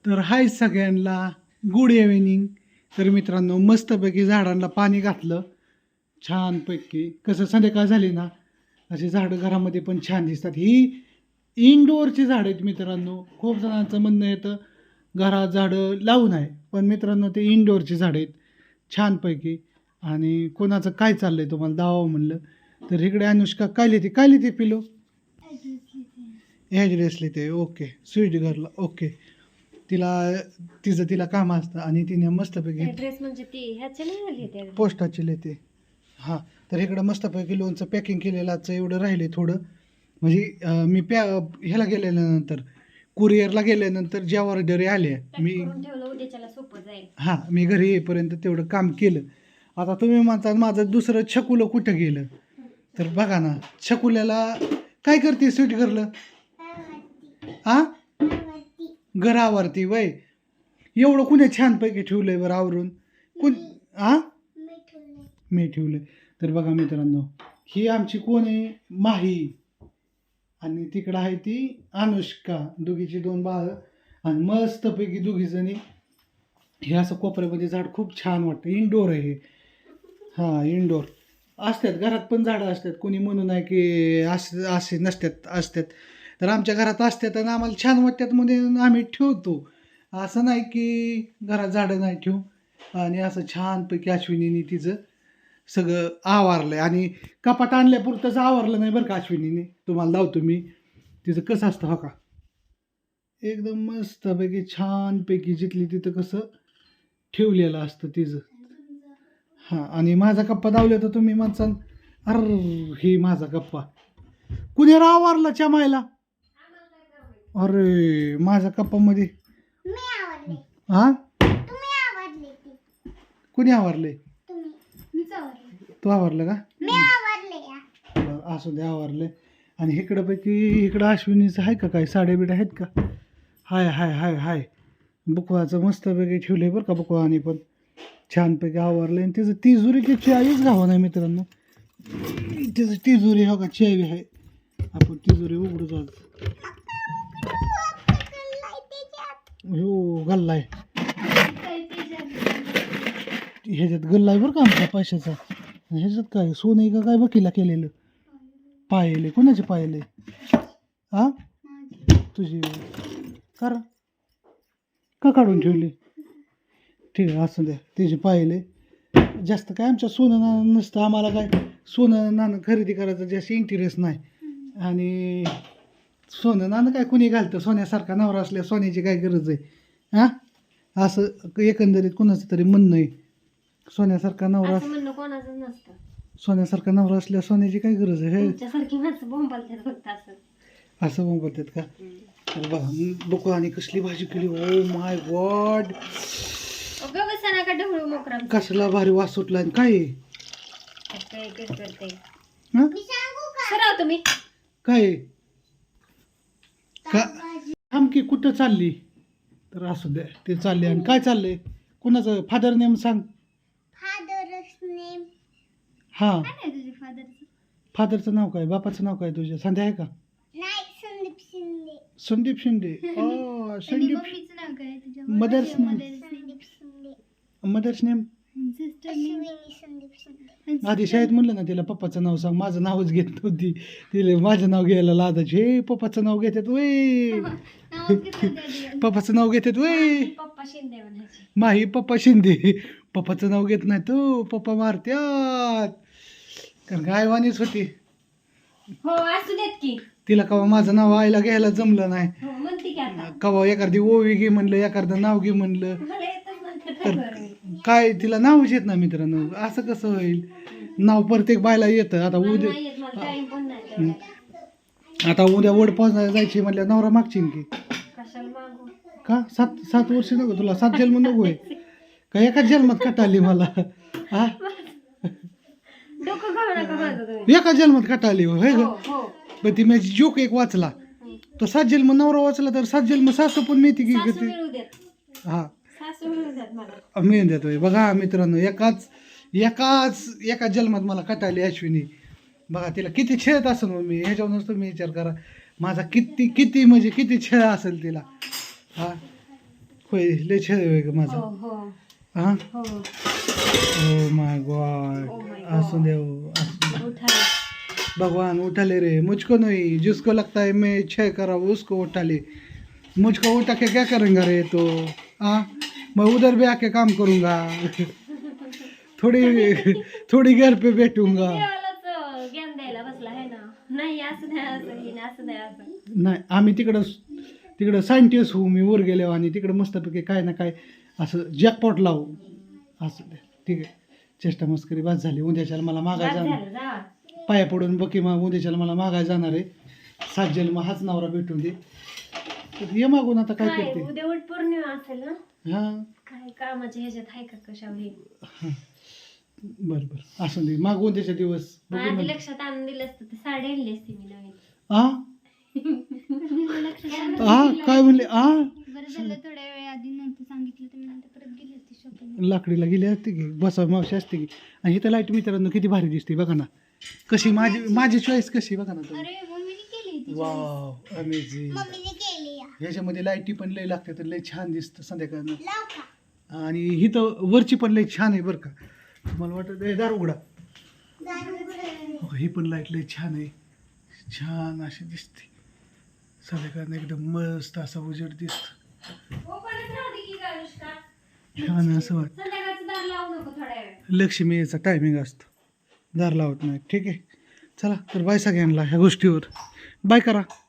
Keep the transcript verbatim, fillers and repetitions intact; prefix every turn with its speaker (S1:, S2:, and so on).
S1: तर हाय सगळ्यांना good evening. तर मित्रांनो मस्तपैकी झाडांना पाणी घातलं छानपैकी. कसं संध्याकाळ झाली ना अशी झाडं घरामध्ये पण छान दिसतात. ही इनडोअरची झाडं आहेत मित्रांनो. खूप जणांचं म्हणणं येतं घरात झाडं लावू नये, पण मित्रांनो ते इनडोअरची झाडं आहेत छानपैकी. आणि कोणाचं काय चाललं आहे तुम्हाला दावा म्हणलं तर इकडे अनुष्का काय लिहिते काय लिहिते पिलो ॲड्रेस लिहिते. Okay sweet girl. ओके तिला तिचं तिला काम असतं आणि तिने मस्तपैकी
S2: ड्रेस म्हणजे ती ह्याचे नाही आली ते
S1: पोस्टाची लिहिते. हां तर इकडं मस्तपैकी लोणचं पॅकिंग केलेलाचं एवढं राहिले थोडं. म्हणजे अं, मी पॅ ह्याला गेल्यानंतर कुरिअरला गेल्यानंतर ज्या ऑर्डरी आल्या मी
S2: करून ठेवलं उद्याच्याला सोपं जाईल.
S1: हां मी घरी येईपर्यंत तेवढं काम केलं. आता तुम्ही म्हणता माझं दुसरं छकुलं कुठं गेलं तर बघा ना छकुल्याला काय करते स्वीट गर्ल हां घरावरती वय एवढं कुणी छानपैकी ठेवलंय बरं आवरून कोण हां मी ठेवलंय. तर बघा मित्रांनो ही आमची कोण आहे माही आणि तिकडं आहे ती अनुष्का दोघीची दोन बाळ आणि मस्तपैकी दोघी जणी हे असं कोपऱ्यामध्ये झाड खूप छान वाटतं. इनडोअर आहे हे. हां इनडोअर असतात घरात पण झाडं असतात. कोणी म्हणू नाही की असे असे नसतात असतात. तर आमच्या घरात असतात आणि आम्हाला छान वाटतात म्हणून आम्ही ठेवतो. असं नाही की घरात झाडं नाही ठेवू. आणि असं छानपैकी अश्विनीने तिचं सगळं आवारलं आहे आणि कपाट आणल्यापुरतंच आवरलं नाही बरं का अश्विनीने. तुम्हाला लावतो मी तिचं कसं असतं हो का एकदम मस्तपैकी छानपैकी जिथली तिथं कसं ठेवलेलं असतं तिचं. हां आणि माझा कप्पा दावला तर तुम्ही म्हणसाल अर हे माझा कप्पा कुणी आवरला चमायला. अरे माझ्या कप्पामध्ये हां कुणी आवरले तू आवरलं का बरं, असू दे आवरले. आणि इकडं पैकी इकडं अश्विनीचं आहे का काय साड्या बिड्या आहेत का हाय हाय हाय हाय बुकवाचं मस्तपैकी ठेवले बरं का बुकवानी पण छानपैकी आवरले. आणि तिचं तिजोरीची चावीच घावा नाही मित्रांनो. तिचं तिजोरी हो का चावी आहे आपण तिजोरी उघडू जाऊ. हो गल्ला आहे ह्याच्यात गल्ला आहे बरं का आमच्या पैशाचा. ह्याच्यात काय सोनं आहे का काय बकीला केलेलं पाहिले कोणाचे पाहिले हा तुझी कर का काढून ठेवली ठीक आहे असं द्या तिचे पाहिले. जास्त काय आमच्या सोनं नाणं नसतं आम्हाला काय सोनं नाणं खरेदी करायचं जास्त इंटरेस्ट नाही. आणि सोनं नाणं काय कुणी घालतं सोन्यासारखा नवरा असल्या सोन्याची काय गरज आहे हां असं एकंदरीत कोणाचं तरी म्हणणं आहे. सोन्यासारखा नवरा
S2: असं म्हणणं कोणाचं नसतं.
S1: सोन्यासारखा नवरा असल्या सोन्याची काय गरज आहे हे
S2: तुमच्यासारखी माणसं बोंबालतात फक्त असं
S1: असं मग बोलतात का. तर बघा बघू आणि कसली भाजी केली ओ माय गॉड
S2: बसा का ढवळू मोकरा
S1: कसला भारी वास सुटला आणि काय आहे?
S2: करते
S1: हं?
S2: सराव तुम्ही
S1: काय आहे? का आमकी कुठं चालली तर असू द्या ते चालले. आणि काय चाललंय कुणाचं फादर नेम सांग. हां
S2: तुझे फादरचं
S1: फादरचं नाव काय बापाचं नाव काय तुझ्या संध्या आहे का संदीप शिंदे. ओ संदीप
S2: मम्मीचं नाव काय तुझ्या
S1: मदर्स नेम मदर्स नेम आधी शाळेत म्हणलं ना तिला पप्पाचं नाव सांग माझं नावच घेत नव्हती. तिला माझं नाव घ्यायला लादायची हे पप्पाचं नाव घेतात वय पप्पाचं नाव घेतात वय
S2: पप्पा शिंदे म्हणायचे.
S1: माही पप्पा शिंदे पप्पाचं नाव घेत नाही तो पप्पा मारत्यात कारण गायवानीच होती.
S2: हो असू देत की
S1: तिला कवा माझं नाव आईला घ्यायला जमलं नाही.
S2: हो म्हणते की आता
S1: कवा एखादी ओवी घे म्हणलं एखादं नाव घे म्हणलं
S2: मला येतच म्हणते
S1: तर काय तिला नावच येत ना मित्रांनो. असं कसं होईल नाव प्रत्येक बायला येतं. आता उद्या
S2: नाही येत मला टाइम पण नाही तेवढा.
S1: आता उद्या वड पोचणार जायची म्हणल्या नवरा मागशील की
S2: कशाला मागू
S1: का सात सात वर्ष नको तुला सात जन्म नको आहे का एकाच जन्मात कटाली मला हा
S2: डोकं खाऊ नका माझं तुम्ही.
S1: एका जन्मात कटाली होय
S2: हो
S1: ग.
S2: हो
S1: पण ती माझी जोक एक वाचला तर सात जन्म नवरा वाचला तर सात जन्म सासू पण मिळते की
S2: सासू
S1: ती
S2: मिळू देत
S1: हा
S2: सासू मिळू देत मला
S1: मिळून देतोय. बघा मित्रांनो एकाच एकाच एकाच जन्मात मला कटाली अश्विनी. बघा तिला किती छेळत असेल मग मी ह्याच्यावरूनच तुम्ही विचार करा माझा किती किती म्हणजे किती छेळ असेल तिला हा होय लय छान आहे ग
S2: हो
S1: माझा
S2: हो
S1: हा
S2: हो
S1: oh my God
S2: Oh my
S1: असू
S2: God.
S1: देव असू दे.
S2: उठा
S1: भगवान उठा ले रे मुझको नहीं जिसको लगता है मैं छह करा वो उसको उठा ले मुझको उठा के क्या करेंगा रे तो हाँ मैं उधर भी आके काम करूँगा थोड़ी थोड़ी घर पे बैठूंगा
S2: देवालाच ज्ञान द्यायला बसला आहे ना नाही असं नाही असं हे नाही असं नाही असं
S1: नाही आम्ही तिकडं तिकडं सायंटिस्ट होऊ मी वर गेलो आणि तिकडं मस्तपैकी काय ना काय असं जॅकपॉट लावू असं दे ठीक आहे चेष्टा मस्करी बाद झाली उद्याच्याला मला मागाय
S2: बाद
S1: जाणार
S2: झालं जा
S1: पाया पडून बकी मग उद्याच्याला मला मागाय जाणार आहे सात जन्म हाच नवरा भेटून दे तर ये मागून आता काय
S2: काय
S1: करते
S2: उद्या उठ पौर्णिमा असेल ना
S1: हां
S2: काय कामाच्या ह्याच्यात आहे का कशावर हे
S1: बरं बरं असं दे मागून त्याच्या दिवस बघू
S2: आधी
S1: नंतर.
S2: लक्षात आणून दिलं असतं तर साडी आणली असती मी नवीन
S1: आ आ काय म्हणले आ
S3: बरं झालं थोड्या वेळ आधी नंतर सांगितलं तर मी नंतर परत गेली असते शॉपिंग.
S1: लाकडीला गेली असते की बसा मावशी असते की आणि इथं लाईट मित्रांनो किती भारी दिसते बघा ना कशी माझी माझी चॉईस कशी बघा ना तुम्ही
S3: अरे मम्मीने केली होती.
S1: वाव अमेझिंग
S3: मम्मीने केली या.
S1: ह्याच्यामध्ये लाईटी पण लय लागते तर लय छान दिसतं संध्याकाळनं
S3: लाव का?
S1: आणि ही तर वरची पण लय छान आहे बरं का मला वाटत हे दार उघडा
S3: दारू उघडं.
S1: हो, ही पण लाईट लय छान आहे छान अशी दिसते संध्याकाळनं एकदम मस्त असा उजेड दिसत
S2: ओपनच राहू दे की काय अनुष्का
S1: छान असं वाटतं
S2: संध्याकाळचं दार लावू नको थोड्या वेळ
S1: लक्ष्मी याचा टायमिंग असतो दार लावत नाही ठीक आहे चला तर बाय सगळ्यांना ह्या गोष्टीवर बाय करा